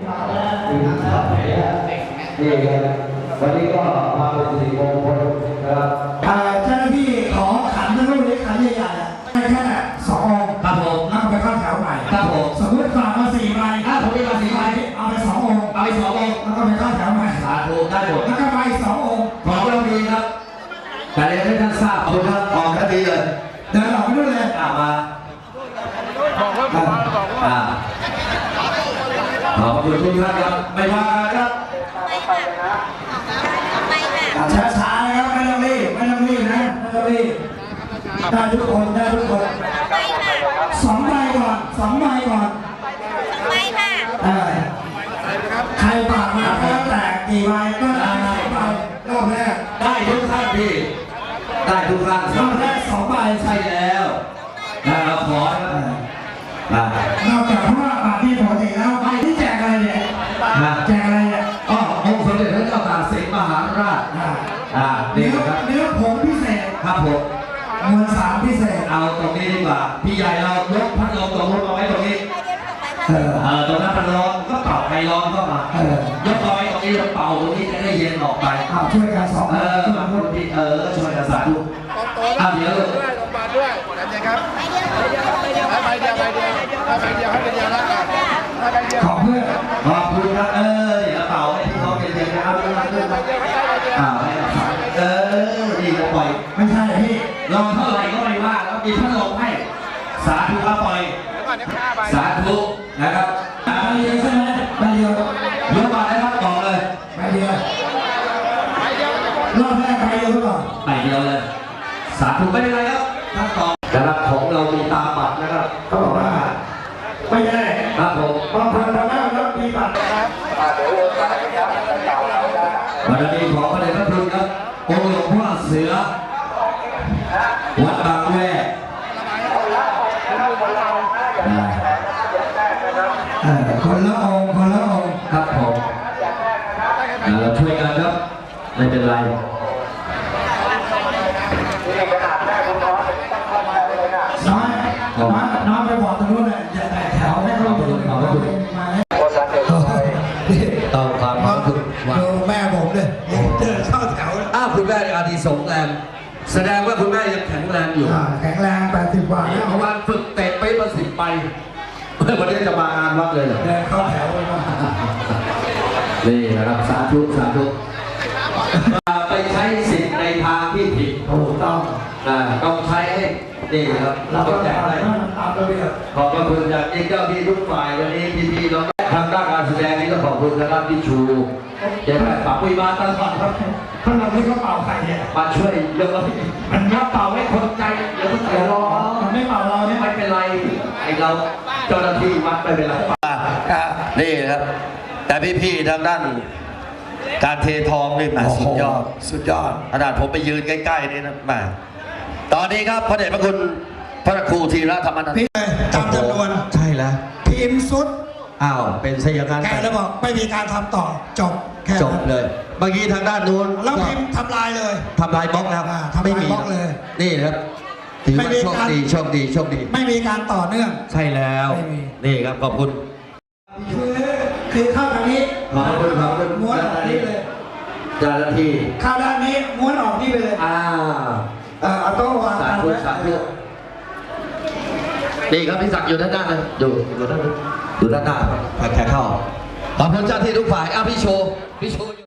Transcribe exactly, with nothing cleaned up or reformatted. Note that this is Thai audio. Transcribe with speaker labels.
Speaker 1: นี่วันนี้ก็มาเป็นสี่โมงคนนะครับ
Speaker 2: เจ้าหน้าที่ขอขันทั้งรูปนี้ขันใหญ่ๆให้แค่สององค์ครับผมแล้วก็ไปเข้าแถวใหม่ครับผมสมมติฝากมาสี่ใบถ้าผมมีมาสี่ใบเอาไปสององค์เอาไปสององค์แล้วก็ไปเข้าแถวใหม่สาธุได้หมดแล้วก็ไปสององค์
Speaker 1: ขอเราดีครับแต่เรียนให้ท่านทราบขอบคุณครับออกคดีเลย
Speaker 2: เดินออกไปนู่นเลย
Speaker 1: อ่ามาบอกว่าบอกว่าบอกว่าขอบคุณทุกท่านครับไม่ว่าครับ
Speaker 2: ช้าๆนะครับไม่ต้องรีบไม่ต้องรีบนะไม่ต้องรีบได้ทุกคนได้ทุกคนสองใบก่อนสองใบก่อน
Speaker 3: ใบค่ะ
Speaker 2: ใครฝากมาก็แตกกี่ใบก็ได้ใบรอบแรก
Speaker 1: ได้ทุกท่านพี่ได้ทุกท่าน
Speaker 2: รอบแรกสองใบ
Speaker 1: ใช่แล้วนะเราขอน
Speaker 2: อกจากว่าบาทที่ปกติแล้วใบที่แจกอะไรเนี่ยแจกอะไรเนี่ย
Speaker 1: อ๋อองค์สมเด็จพระเจ้าตากสินมหาราชอ่า
Speaker 2: เนื้อเนื้อผงพิเศษ
Speaker 1: ครับผม
Speaker 2: มวลสารพิเศษ
Speaker 1: เอาตรงนี้ดีกว่าพี่ใหญ่เรายกพัดลมตรงนู้นมาไว้ตรงนี้เออตรงนั้นพัดลมก็เป่าไฟร้อนเข้ามายกเอาไว้ตรงนี้แล้วเป่าตรงนี้จะได้เย็นออกไป
Speaker 2: ช่วยกันสอง
Speaker 1: เออมาพูดที่เออช่วยกันสาธุอ่ะเดี๋ยว
Speaker 4: ด้วยลงมาด้วยนั่นเองครับใบเดียวใบเดียวใบเดียวใบเดียวใบเดียวให้ใบเดียวแล้วใบเดียว
Speaker 2: ขอบคุณ
Speaker 1: ขอบคุณครับเออเดี๋ยวเป่าให้ที่เขาเย็นๆนะครับเรื่องอ่าเออดีก็ปล่อย
Speaker 2: ไม่ใช่พี่
Speaker 1: ลองเท่าไหร่ก็ไม่ว่าแล้วมีพัดลมให้สาธุครับปล่อยสาธุนะครับ
Speaker 2: ใบเดียวใช่ไหมใบเดียว
Speaker 1: เยอะมาแล้วครับบอกเลย
Speaker 2: ใบเดียวรอบแรกใบเดียวก่อน
Speaker 1: ใบเดียวเลยสาธุไม่เป็นไรครับท่านตอบนะครับของเรามีตาบัตรนะครับ
Speaker 2: เขาบอกว่าไม่ใช่
Speaker 1: ครับผม
Speaker 2: บางคนทำแล้วแล้วมีบัตรนะครับ
Speaker 1: วันนี้ขอพระเดชพระคุณครับองค์หลวงพ่อเสือวัดบางแวก
Speaker 2: คนละองค์คนละองค์
Speaker 1: ครับผมเราช่วยกันครับไม่เป็นไร
Speaker 2: น้อยน้อยน้อยไปบอกตรงนู้นเลยอย่าแตกแถวให้เขาดูเขาดูมา
Speaker 1: ต้องความขอบคุณ
Speaker 2: ดูแม่ผมเลยเดินเข้าแถว
Speaker 1: อ้าวคุณแม่อาดีสงแรงแสดงว่าคุณแม่ยังแข็งแรงอยู่
Speaker 2: แข็งแรงแปดสิบกว่า
Speaker 1: แล้วเพราะว่าฝึกเตะไปมาสิบไปวันนี้จะมางานวัดเลยเหรอ
Speaker 2: เดินเข้าแถว
Speaker 1: นี่นะครับสาธุสาธุไปใช้สิทธิ์ในทางที่ผิด
Speaker 2: ถูกต้อง
Speaker 1: ต้องใช้ให้นี่ครับ
Speaker 2: เราต้องแจกอะไรตามระเบียบ
Speaker 1: ขอบคุณจากเจ้าที่ทุกฝ่ายวันนี้พี่ๆเราทางด้านการแสดงนี้ก็ขอบคุณนะครับพี่ชูเจ้าแม่ป่าปุยมาตลอดครับ
Speaker 2: ท่านเราไม่ก็เป่าใครเนี่ย
Speaker 1: มาช่วยเรื่องมันมาเป่าให้คนใจเดี๋ยวคนใจรอ
Speaker 2: ไม่เป่าเราเนี่ย
Speaker 1: ไม่เป็นไรไอเราเจ้าหน้าที่วัดไม่เป็นไรนี่ครับแต่พี่ๆทางด้านการเททองนี่มาสุดยอด
Speaker 2: สุดยอด
Speaker 1: ขนาดผมไปยืนใกล้ๆนี่นะมาตอนนี้ครับพระเดชพระคุณพระครูธีระธรรมนันท์
Speaker 2: พี่ตามจำนวน
Speaker 1: ใช่แล้ว
Speaker 2: พิมพ์สุด
Speaker 1: อ้าวเป็นเสียงการ
Speaker 2: แกแล้วบอกไม่มีการทำต่อจบแค่
Speaker 1: จบเลยเมื่อกี้ทางด้านนู้น
Speaker 2: แล้วพิมพ์ทำลายเลย
Speaker 1: ทำลายบล็อกแล้ว
Speaker 2: ทำลายบล็อกเลย
Speaker 1: นี่ครับถือว่าโชคดีโชคดีโชคดี
Speaker 2: ไม่มีการต่อเนื่อง
Speaker 1: ใช่แล้วนี่ครับขอบคุณ
Speaker 2: คือคือเข้าทางนี้
Speaker 1: ขอบคุณขอบคุณ
Speaker 2: ม้วนออกนี่เลย
Speaker 1: เจ้าหน้าที่
Speaker 2: เข้าด้านนี้ม้วนออกนี่ไปเลย
Speaker 1: อ่า
Speaker 2: เอาโต๊ะวาง
Speaker 1: สาธุสาธุนี่ครับพี่ศักดิ์อยู่ด้านหน้าเลยอยู่อยู่ด้านอยู่ด้านหน้าแขกเข้าขอบคุณเจ้าที่ทุกฝ่ายอ่ะพี่โชว์พี่โชว์